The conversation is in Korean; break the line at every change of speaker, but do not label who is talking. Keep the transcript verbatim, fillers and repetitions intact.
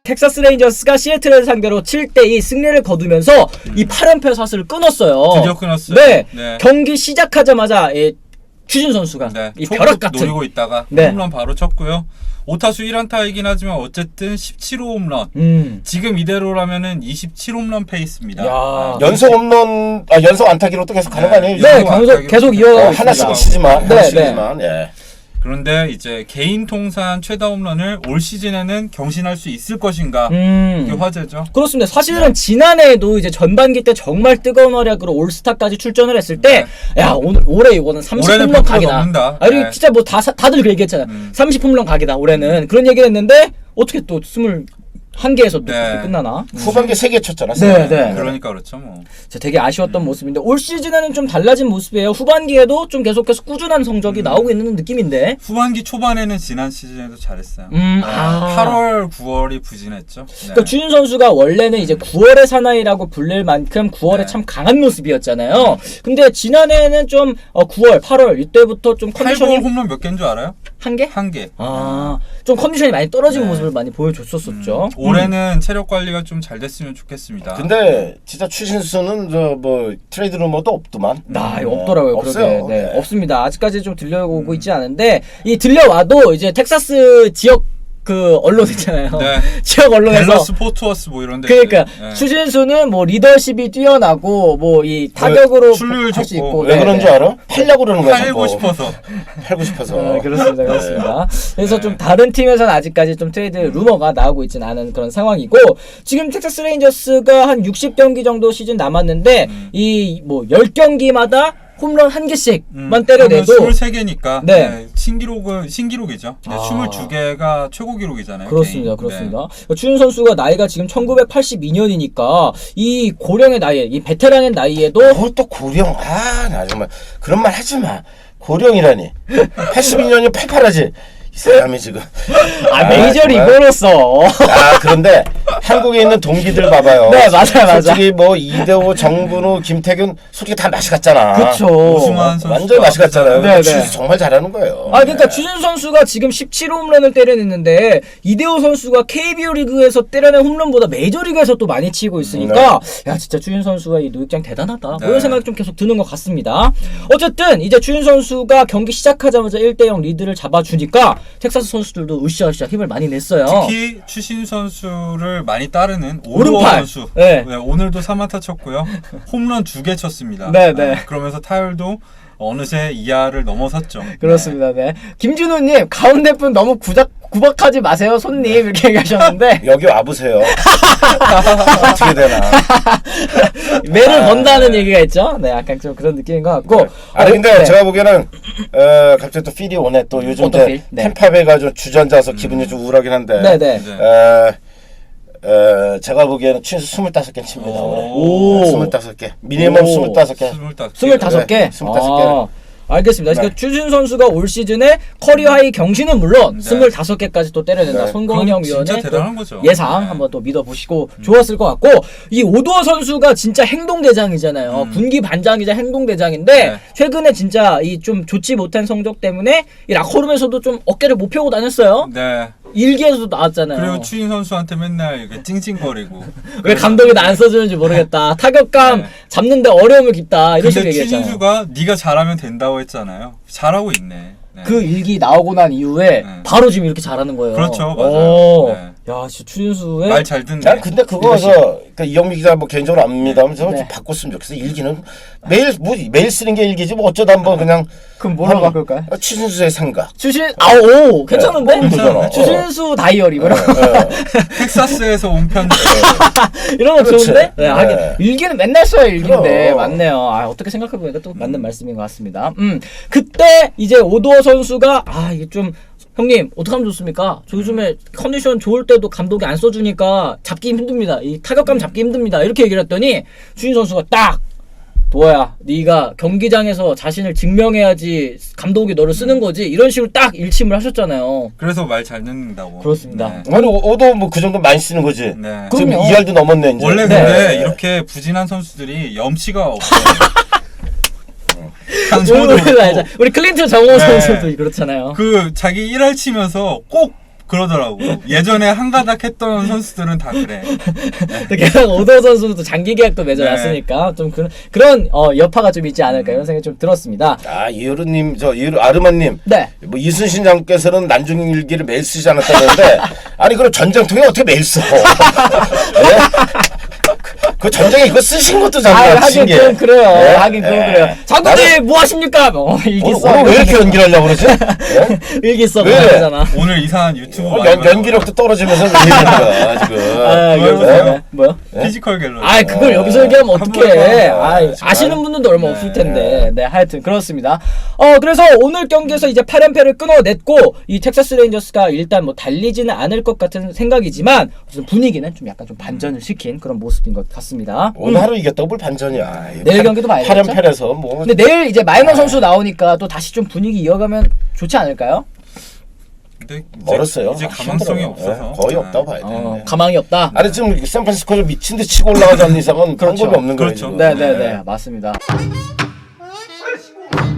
텍사스 레인저스가 시애틀을 상대로 칠 대 이 승리를 거두면서 음. 이 팔 연패 사슬을 끊었어요.
드디어 끊었어요.
네,
네.
경기 시작하자마자 예, 추신 선수가
네.
이 벼락 같은
노리고 있다가
네.
홈런 바로 쳤고요. 오 타수 일 안타이긴 하지만 어쨌든 십칠 호 홈런.
음.
지금 이대로라면은 이십칠 홈런 페이스입니다.
야.
아,
연속 홈런, 아 연속 안타기로 또 계속 가는 거 아니에요?
네,
연속
계속 계속 이어가고
어,
있습니다.
하나씩은 치지만,
네,
하나씩이지만, 예.
그런데 이제 개인 통산 최다 홈런을 올 시즌에는 경신할 수 있을 것인가?
음.
이게 화제죠.
그렇습니다. 사실은 지난해에도 이제 전반기 때 정말 뜨거운 활약으로 올스타까지 출전을 했을 때,
네.
야 오늘 올해 이거는 삼십
올해는
홈런
백 퍼센트
각이다.
넘는다.
아, 그리고
네.
진짜 뭐 다 다들 그 얘기했잖아.
음.
삼십 홈런 각이다 올해는 그런 얘기를 했는데 어떻게 또 스물 한 개에서 또
네.
그렇게 끝나나?
후반기 세 개 쳤잖아.
네, 네.
그러니까 그렇죠, 뭐.
진짜 되게 아쉬웠던 모습인데 올 시즌에는 좀 달라진 모습이에요. 후반기에도 좀 계속해서 꾸준한 성적이
음.
나오고 있는 느낌인데.
후반기 초반에는 지난 시즌에도 잘했어요.
음,
아,
아.
팔월, 구월이 부진했죠. 네.
그러니까 주인 선수가 원래는 이제 구월의 사나이라고 불릴 만큼 구월에
네.
참 강한 모습이었잖아요. 근데 지난해에는 좀 어, 구월, 팔월 이때부터 좀
팔 월
컨디션이
홈런 몇 개인 줄 알아요?
한 개?
한 개.
아, 좀 컨디션이 많이 떨어진
네.
모습을 많이 보여줬었었죠.
음, 올해는 체력 관리가 좀 잘 됐으면 좋겠습니다.
근데 진짜 추신수는 저 뭐 트레이드 루머도 없더만.
나
네.
없더라고요.
없어요.
그러게. 네,
네.
없습니다. 아직까지 좀 들려오고 있지 않은데 이 들려와도 이제 텍사스 지역 그 언론 있잖아요.
네.
지역 언론에서
댈러스 포트워스 뭐 이런 데.
그러니까
네.
추신수는 뭐 리더십이 뛰어나고 뭐 이 타격으로
출루율
할 수
좋고.
있고
왜
네,
그런
네.
줄 알아? 팔려고 그러는 거야.
팔고
자꾸.
싶어서.
팔고 싶어서.
네, 그렇습니다. 그렇습니다. 그래서
네.
좀 다른 팀에서는 아직까지 좀 트레이드 루머가 나오고 있지는 않은 그런 상황이고 지금 텍사스 레인저스가 한 육십 경기 정도 시즌 남았는데
음.
이 뭐 십 경기마다 홈런 한 개씩만
음,
때려내도
이십삼 개니까
네.
네. 신기록은 신기록이죠. 근데
아.
이십이 개가 최고 기록이잖아요.
그렇습니다.
개인.
그렇습니다. 추윤 선수가 나이가 지금 천구백팔십이 년이니까 이 고령의 나이에 이 베테랑의 나이에도
뭘 또 고령? 아, 나 정말 그런 말 하지 마. 고령이라니. 팔십이 년이 팔팔하지. 이 사람이 지금.
아 메이저
정말.
리거로서
아, 그런데 한국에 있는 동기들 봐봐요.
네, 맞아요, 맞아요.
솔직히 뭐 이대호, 정근우, 김태균 솔직히 다 맛이 갔잖아.
그쵸.
오승환 선수
완전 맛이 갔잖아요.
네, 네.
추신수 정말 잘하는 거예요.
아 그러니까
네.
추신 선수가 지금 십칠 홈런을 때려냈는데 이대호 선수가 케이비오 리그에서 때려낸 홈런보다 메이저리그에서 또 많이 치고 있으니까 야 진짜 추신 선수가 이 노익장 대단하다 뭐
네.
이런 생각이 좀 계속 드는 것 같습니다. 어쨌든 이제 추신 선수가 경기 시작하자마자 일 대 영 리드를 잡아주니까 텍사스 선수들도 으쌰으쌰 힘을 많이 냈어요.
특히 추신 선수를 많이 따르는
오른팔.
오르원 선수.
네.
네, 오늘도 삼 안타 쳤고요. 홈런 두 개 쳤습니다.
네, 네.
그러면서 타율도 어느새 이하를 넘어섰죠.
그렇습니다. 네. 김준호님 가운데 분 너무 구작 구박하지 마세요 손님 이렇게 얘기하셨는데
여기 와보세요. 어떻게 되나.
매를
아,
번다는
네.
얘기가 있죠. 네, 약간 좀 그런 느낌인 것 같고.
아니 근데
네.
제가 보기에는 어, 갑자기 또 필이 오네. 또 요즘
어떤
이제
필? 네.
템파베가 좀 주전자서 기분이 좀 우울하긴 한데.
네, 네.
네.
어, 어, 제가 보기에는 추신수 스물다섯 개 칩니다.
오.
오늘. 스물다섯 개. 미니멈
오.
스물다섯 개.
스물다섯 개.
스물다섯 개.
네, 스물다섯 개를.
아, 알겠습니다.
네.
그러니까 추신 선수가 올 시즌에 커리어 하이 경신은 물론
네.
스물다섯 개까지 또 때려낸다.
네.
손건영
그건 진짜
위원의
대단한 거죠.
예상
네.
한번 또 믿어보시고 좋았을 것 같고 이 오도어 선수가 진짜 행동대장이잖아요.
음.
군기 반장이자 행동대장인데
네.
최근에 진짜 이 좀 좋지 못한 성적 때문에 이 락커룸에서도 좀 어깨를 못 펴고 다녔어요.
네.
일기에서도 나왔잖아요.
그리고 추신 선수한테 맨날 이렇게 찡찡거리고.
왜 감독이 나 안 써주는지 모르겠다. 타격감
네.
잡는데 어려움을 깊다. 이런 식으로
근데
얘기했잖아요.
추신수가 네가 잘하면 된다고 했잖아요. 잘하고 있네. 네.
그 일기 나오고 난 이후에
네.
바로 지금 이렇게 잘하는 거예요.
그렇죠, 맞아요.
오.
네.
야, 진짜 추진수의
말 잘 듣네.
난 근데 그거서 그러니까 이영미 기자 뭐 개인적으로 압니다면 저는
네.
좀 바꿨으면 좋겠어. 일기는 매일 뭐 매일 쓰는 게 일기지 뭐 어쩌다 한번 그냥
그럼 뭐라고
한-
바꿀까요?
어, 추신수의 생각.
추신 아오 괜찮은데?
네, 괜찮아.
추신수 다이어리 뭐
어,
이런 거.
어.
텍사스에서 온 편지.
이런 거
그렇지.
좋은데? 네,
네.
하긴 일기는 맨날 써야 일기인데
그럼.
맞네요. 아, 어떻게 생각해 보니까 또 맞는 말씀인 것 같습니다. 음, 그때 이제 오도어 선수가 아 이게 좀 형님 어떡하면 좋습니까? 저 요즘에 컨디션 좋을 때도 감독이 안 써주니까 잡기 힘듭니다. 이 타격감 잡기 힘듭니다. 이렇게 얘기를 했더니 추신 선수가 딱 도아야 네가 경기장에서 자신을 증명해야지 감독이 너를 쓰는 거지 이런 식으로 딱 일침을 하셨잖아요.
그래서 말 잘 듣는다고.
그렇습니다.
네.
아니 오도 뭐 그 정도 많이 쓰는 거지.
네.
지금
그럼요.
이 할도 넘었네 이제.
원래
네.
근데 이렇게 부진한 선수들이 염치가 없어요. 강정호도
우리,
그렇고
우리 클린트 정호
네.
선수도 그렇잖아요.
그 자기 일 할 치면서 꼭 그러더라고. 예전에 한가닥 했던 선수들은 다 그래.
또 게다가 오도 선수도 또 장기 계약도 맺어놨으니까
네.
좀 그런 그런 어, 여파가 좀 있지 않을까 이런 생각이 좀 들었습니다.
아 이효르님 저 이효르 아르마님
네.
뭐 이순신 장께서는 난중일기를 매일 쓰지 않았다는데 아니 그럼 전쟁통에 어떻게 매일 써? 네? 그 전쟁에 이거 쓰신 것도
아,
장난
하긴
신기해.
그건 그래요.
네?
하긴 그건
네.
그래요. 장군님 뭐 하십니까? 어, 일기
오늘,
써.
오늘 왜 이렇게 연기를 하려고 그러지? 네?
일기 써.
왜?
그러잖아.
오늘 이상한 유튜브
어,
많이
연,
봐요.
연기력도 떨어지면서 왜 이러는 거야 지금.
아,
그거
이거
해보세요.
네. 뭐요?
피지컬 갤러리.
아, 그걸
어,
여기서 얘기하면
한
어떡해.
번에
봐.
아,
정말.
아시는 분들도 얼마
네.
없을 텐데. 네, 하여튼 그렇습니다. 어, 그래서 오늘 경기에서 이제 팔 연패를 끊어냈고 이 텍사스 레인저스가 일단 뭐 달리지는 않을 것 같은 생각이지만 무슨 분위기는 좀 약간 좀 반전을 시킨 그런 모습인 것 같습니다.
오늘 하루 이겼다고 뭘 반전이야.
내일 경기도 봐야겠죠?
팔연패라서 뭐.
근데 내일 이제 마이너 선수 나오니까 또 다시 좀 분위기 이어가면 좋지 않을까요?
근데 이제,
멀었어요.
이제 가망성이
힘들어요.
없어서
네, 거의
네.
없다고 봐야 돼.
어, 가망이 없다.
아니 지금 샌프란시스코를 미친 듯이 치고 올라가지 않는 이상은
그렇죠.
방법이 없는 거예요.
그렇죠.
지금.
네네네 맞습니다.